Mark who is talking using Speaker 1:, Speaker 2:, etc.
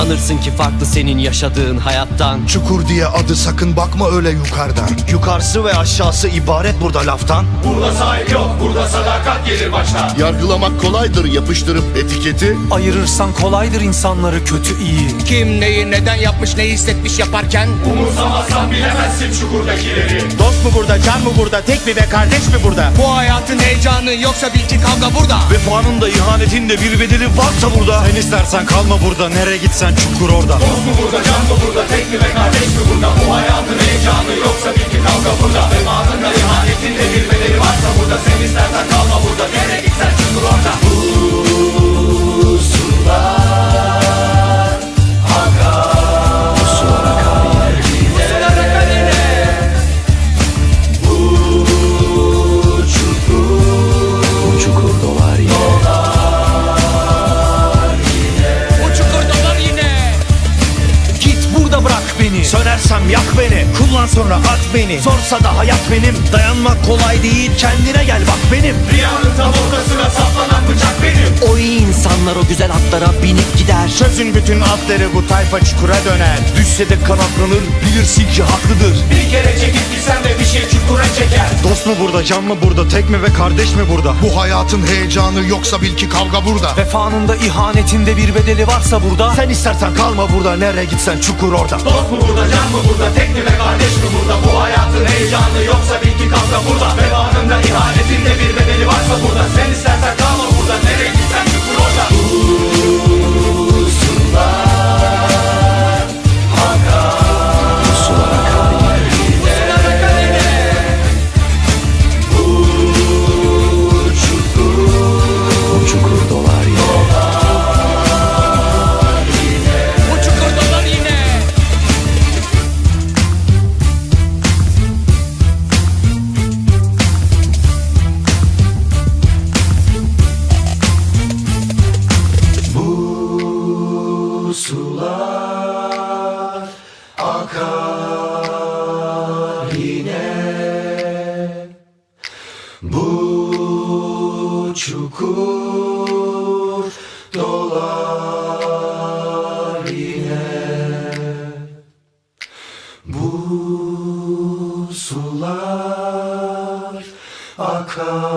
Speaker 1: sanırsın ki farklı senin yaşadığın hayattan?
Speaker 2: Çukur diye adı, sakın bakma öyle yukarıdan.
Speaker 3: Yukarısı ve aşağısı ibaret burada laftan.
Speaker 4: Burada sahip yok, burada sadakat gelir baştan.
Speaker 5: Yargılamak kolaydır yapıştırıp etiketi.
Speaker 6: Ayırırsan kolaydır insanları kötü iyi.
Speaker 7: Kim neyi neden yapmış, ne hissetmiş yaparken.
Speaker 4: Umursamazsan bilemezsin çukurdakileri.
Speaker 3: Dost mu burada, can mı burada, tek mi ve kardeş mi burada?
Speaker 7: Bu hayatın heyecanı yoksa bil ki kavga burada.
Speaker 3: Vefanın da ihanetin de bir bedeli varsa burada. Sen istersen kalma burada, nereye gitsen çukur orada.
Speaker 4: Dost mu burada, can mı burada, tek mi ve kardeş mi burada? Bu hayatın heyecanı yoksa bil ki kavga burada. Vefanın da ihanetin de bir bedeli varsa burada. Sen istersen kalma burada, nereye gitsen çukur orada. Bu sular akar. Bu sular akar yine. Bu sular akar yine. Bu çukur dolar yine.
Speaker 7: Bu çukur dolar yine.
Speaker 6: Git burada bırak beni.
Speaker 3: Sönersem yak beni, kullan sonra at beni. Zorsa da hayat benim, dayanmak kolay değil. Kendine gel bak benim.
Speaker 4: Riyanın tam ortasına saplanan bıçak benim.
Speaker 1: O iyi insanlar o güzel atlara binip gider.
Speaker 3: Çözün bütün atları, bu tayfa çukura döner. Düşse de kanatlanır, bilirsin ki haklıdır.
Speaker 4: Bir kere çekip gitsen de bir şey çukura çeker.
Speaker 3: Dost mu burada, can mı burada, tek mi ve kardeş mi burada?
Speaker 2: Bu hayatın heyecanı yoksa bil ki kavga burada.
Speaker 6: Vefanın da ihanetin de bir bedeli varsa burada.
Speaker 3: Sen istersen kalma burada, nereye gitsen çukur orada.
Speaker 4: Dost mu burada, can mı burada, tek mi ve kardeş mi burada? Bu hayatın heyecanı yoksa bil ki kavga burada. Vefanın da ihanetin de bir bedeli varsa burada. Sen istersen kalma burada, nereye gitsen çukur orada. Bu sular akar. Bu sular akar yine. Bu sular akar yine. Bu çukur dolar yine.
Speaker 7: Bu çukur dolar yine.
Speaker 4: Bu sular akar yine. Bu çukur dolar yine. Bu sular akar